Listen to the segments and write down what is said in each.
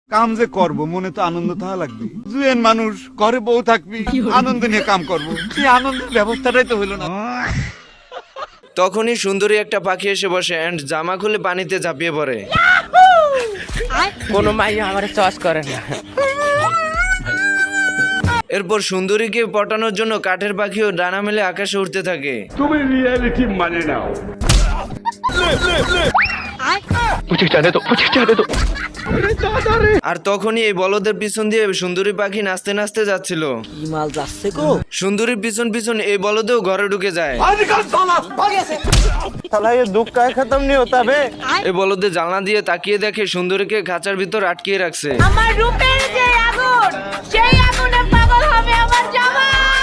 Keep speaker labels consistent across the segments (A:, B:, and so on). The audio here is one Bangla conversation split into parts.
A: কাম যে করব মনে তো আনন্দ থাকা লাগবে। জুয়েন মানুষ, ঘরে বউ থাকবি, আনন্দ নিয়ে কাম করব, সেই আনন্দের ব্যবস্থাটাই তো হইলো না।
B: তখনই সুন্দরী একটা পাখি এসে বসে এন্ড জামা খুলে পানিতে ঝাঁপিয়ে পড়ে।
C: কোনো মাইয়া আমার চয়েস করে না।
B: এরপর সুন্দরীকে পটানোর জন্য কাঠের পাখিও ডানা মেলে আকাশে উঠতে থাকে।
D: তুমি রিয়েলিটি মানে নাও।
B: আর তখনই এই বলদের পিছন দিয়ে সুন্দরী পাখি নাচতে নাচতে যাচ্ছিল।
C: কি মাল যাচ্ছে গো?
B: সুন্দরীর পিছন পিছন এই বলদেও ঘরে ঢুকে যায়। এই বলদে জানলা দিয়ে তাকিয়ে দেখে সুন্দরীকে খাঁচার ভিতর আটকিয়ে রাখছে।
E: আমার রূপের যে আগুন, সেই আগুনে পাগল হবে আমার জামাই।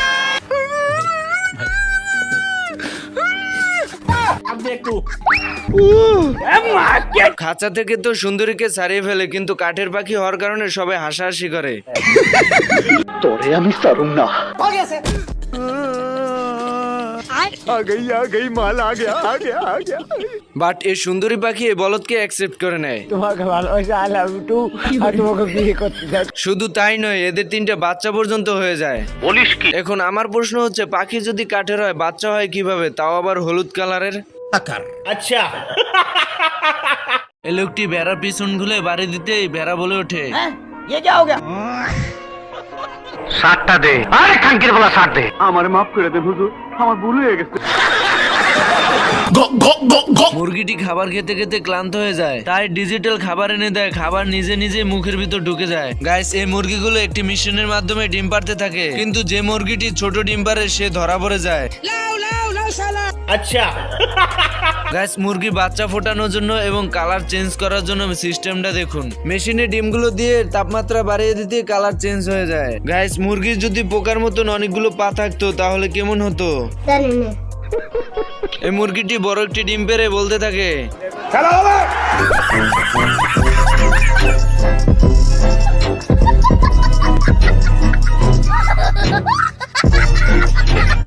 B: খাঁচা থেকে তো সুন্দরীকে ছাড়িয়ে ফেলে, কিন্তু কাঠের পাখি হওয়ার কারণে সবাই হাসাহাসি করে।
D: তোরে আমি সারুম না।
B: বাট এই সুন্দরী পাখি এই বলদকে অ্যাকসেপ্ট করে নেয়।
C: তোমাকে ভালোবাসা, আই লাভ ইউ টু। আর তোমাকে বিয়ে করতে চাই।
B: শুধু তাই নয়, এদের 3টে বাচ্চা পর্যন্ত হয়ে যায়।
D: বলিস কি?
B: এখন আমার প্রশ্ন হচ্ছে, পাখি যদি কাঠের হয় বাচ্চা হয় কিভাবে, তাও আবার হলুদ কালারের?
D: আচ্ছা,
B: এই লোকটি ভেড়ার পিছন খুলে বাড়ি দিতেই ভেড়া বলে ওঠে,
D: সাতটা দে। আরে খাঙ্কির বলা সাত দে। আমার মাফ করে দেন হুজুর, আমার ভুল হয়ে গেছে।
B: মুরগিটি খাবার খেতে খেতে ক্লান্ত হয়ে যায়, তাই ডিজিটাল খাবার এনে দেয়। খাবার নিজে নিজে মুখের ভিতর ঢুকে যায়। গাইস, এই মুরগিগুলো একটি মিশনের মাধ্যমে ডিম পাড়তে থাকে, কিন্তু যে মুরগিটি ছোট ডিম পারে সে ধরা পড়ে যায়।
D: আচ্ছা,
B: গাইস, মুরগি বাচ্চা ফোটানোর জন্য এবং কালার চেঞ্জ করার জন্য সিস্টেমটা দেখুন। মেশিনে ডিমগুলো দিয়ে তাপমাত্রা বাড়িয়ে দিতে কালার চেঞ্জ হয়ে যায়। গাইস, মুরগির যদি পোকার মতন অনেকগুলো পা থাকতো তাহলে কেমন হতো? এই মুরগিটি বড় একটি ডিম পেড়ে বলতে থাকে,
D: খেলা হবে।